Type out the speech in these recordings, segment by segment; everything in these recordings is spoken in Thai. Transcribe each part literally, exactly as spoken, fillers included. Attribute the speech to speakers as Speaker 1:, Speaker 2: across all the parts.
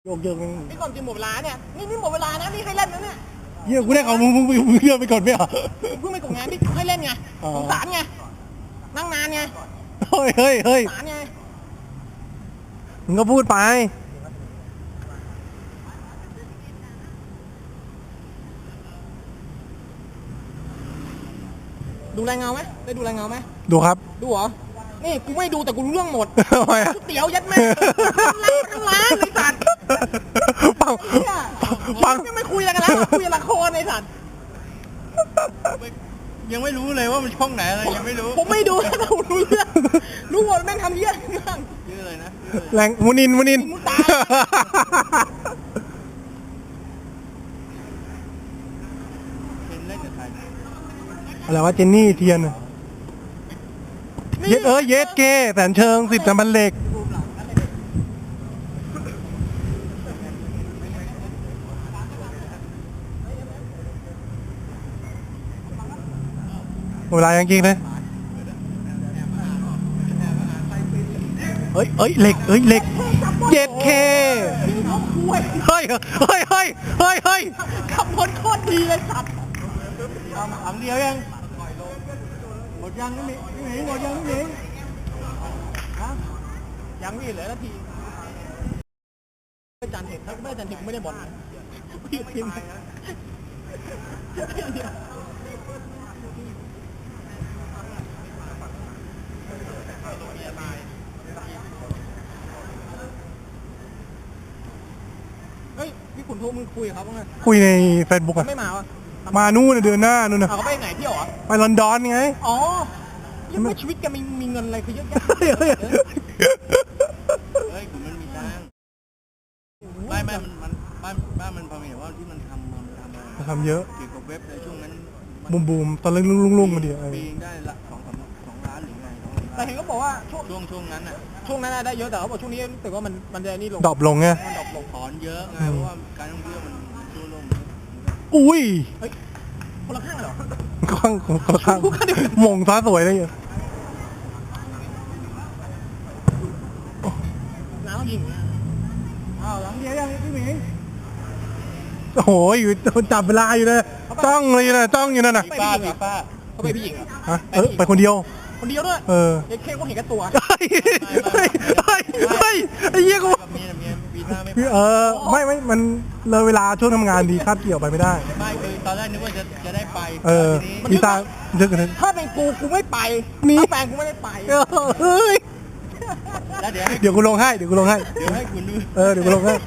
Speaker 1: โยกโยก
Speaker 2: นี่ก่อนจะหมดเวลาเนี่ยนี่นี่หมดเวลานะนี่ให้เล่นนะเนี่ย
Speaker 1: เยี่ยกูได้ของมึงมึงมึงเลื่อนไปก่อนไหมอ่ะ
Speaker 2: เพิ่งไปกดงานนี่ให้เล่นไงสงสารไงนั่งนานไง
Speaker 1: เฮ้ยเฮ้ยเฮ้ย
Speaker 2: สงสารไง
Speaker 1: มึงก็พูดไป
Speaker 2: ดูรายเงาไหมได้ดูรายเงาไหม
Speaker 1: ดูครับ
Speaker 2: ดูเหรอนี่กูไม่ดูแต่กูรู้เรื่องหมด
Speaker 1: ทำไมอ่ะ
Speaker 2: เตี๋ยวยัดแม่ทั้งร้านไอ้สัตว์
Speaker 1: ปังปัง
Speaker 2: ไม่คุยกันแล้วคุยละครไอ้สัตว์
Speaker 3: ยังไม่รู้เลยว่ามันช่องไหนอะไรยังไม่รู้
Speaker 2: ผมไม่ดูแต่ผมรู้เรื่องรู้หมดแม่งทำเยี่ยม
Speaker 3: เยอะเลยนะ
Speaker 1: แรงมุนินมุนิน
Speaker 3: เป็นเล่นกับใคร
Speaker 1: อะไรวะเจนนี่เทียนเยสเออเยสเกแสนเชิงสิบจำพันเหล็กเวลายังจริงเลยเฮ้ยเฮ้ยเหล็กเฮ้ยเหล็กเย็ดเคเฮ้ยเฮ้ยเฮ้ยเฮ้ยเฮ้ย
Speaker 2: ขับรถโคตรดีเลยสัตว์
Speaker 3: ถามเดียวยังหมดยังนี่หนีหมดยังนี่ฮะ
Speaker 2: ยังมีเหลือนาทีไม่จันเห็นถ้าไม่จันเห็นไม่ได้บอลพี่พิมพ์เฮ้ยพี่ขุนโทรมึงคุยกับเขาบ้างไหม
Speaker 1: คุยในเฟซบุ๊กอะ
Speaker 2: ไม่มาวะ
Speaker 1: มานู่นเดือนหน้านู่นนะ
Speaker 2: เขาไปไหนเที่ยวอ่ะ
Speaker 1: ไปลอนดอนไง
Speaker 2: อ๋อยังไม่ชีวิตแกมีมีเงินอะไรคือเยอะแยะ
Speaker 3: เฮ้ยคุณมันมีตังค์ไม่ไม่มันมันบ้านบ้านมันพอมีแต่ว่าที่มันทำมันทำอะไร
Speaker 1: ทำเยอะ
Speaker 3: เกี่ยวกับเว็บในช่วงนั้น
Speaker 1: บูมบูมตอนเรื่องลุ่งลุ่งมาดิ
Speaker 3: ปีได้ละสองสามสองล้านหรือไง
Speaker 2: แต่เห็นเขาบอกว่าช่วง
Speaker 3: ช่วงช่วงนั้นอ่ะ
Speaker 2: ช่วงนั้นได้เยอะแต่เขาบอกช่วงนี้แต่ว่ามันมันจะนี่ลง
Speaker 1: ดรอปลงไง
Speaker 2: มันดรอปลง
Speaker 3: ถอนเยอะไงเพราะว่าการท่องเที่ยวมันช่วงลง
Speaker 1: อุ้ย
Speaker 2: เฮ้ยคนละข้างเหรอ
Speaker 1: ข้างคนละข้างมงฟ้าสวยเลย
Speaker 2: น้ำยิง
Speaker 3: อ้าวหลังเดียวยังพี่หมิง
Speaker 1: โอ้โหอยู่จับเวลาอยู่เลยจ้องเลยนะจ้องอยู่นั่นน่ะ
Speaker 3: ป้าป้า
Speaker 2: เขาไปพี่หญิงเหรอ
Speaker 1: ฮะเออไปคนเดียว
Speaker 2: คนเดียวด้วย
Speaker 1: เออ
Speaker 2: เค้กก็เห็นกับตัว
Speaker 1: เฮ้ยเฮ้ยเฮ้ยเฮ้ยไอ้เหี้ยกูเออไม่ไม่มันเลยเวลาช่วงทำงานดีคาดเกี่ยวไปไม่ได้
Speaker 3: ไม่คือตอนแรกนึกว่าจะจะได้ไป
Speaker 1: เออมีตาเยอะกัน
Speaker 2: ถ้าเป็นกูกูไม่ไปถ้าแฟนกูไม่ได้ไป
Speaker 1: เฮ้ย
Speaker 3: แล้วเดี๋ยว
Speaker 1: เดี๋ยวกูลงให้เดี๋ยวกูลงให้
Speaker 3: เดี๋ยวให้คุณดู
Speaker 1: เออเดี๋ยวกูลงให้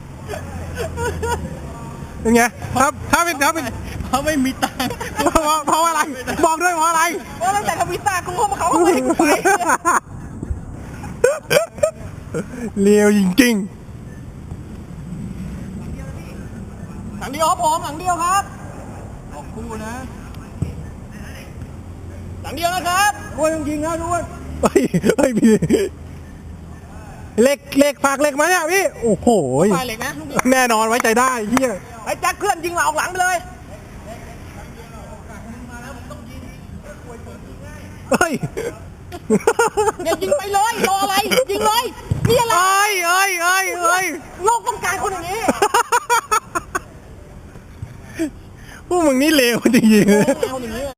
Speaker 1: เป็นไงครับถ้าเป็นถ้าเป็น
Speaker 3: เขาไม่มีตังค์
Speaker 1: เพราะเพราะอะไรบอกด้วยเพราะอะไร
Speaker 2: เพราะตั้งแต่ทำวีซ่ากูเข้ามาเขาไม่ให้กูไป
Speaker 1: เลี้ยวจริง
Speaker 2: หลังเดียวครับผมหลังเดียวครับ
Speaker 3: ออกคู่นะ
Speaker 2: หลังเดียวนะครับ
Speaker 3: ด้วยจริงๆนะด้วย
Speaker 1: เฮ้ยเฮ้ยพี่เล็กเล็กฝากเล็กมาเนี่ยพี่โอ้โห
Speaker 2: ฝากเล็กนะ
Speaker 1: แน่นอนไว้ใจได้เฮีย
Speaker 2: ไอ้แจ็คเพื่อนยิงเราออกหลังไปเลย
Speaker 1: เฮ้ย
Speaker 2: เนี่ยยิงไปเลยรออะไรยิงเลยนี่อะไร
Speaker 1: เอ้ยเอ้ยเอ้ยเอ้ย
Speaker 2: โลกต้องการคนอย่างนี้
Speaker 1: พวกมึงนี่เลวจริงๆ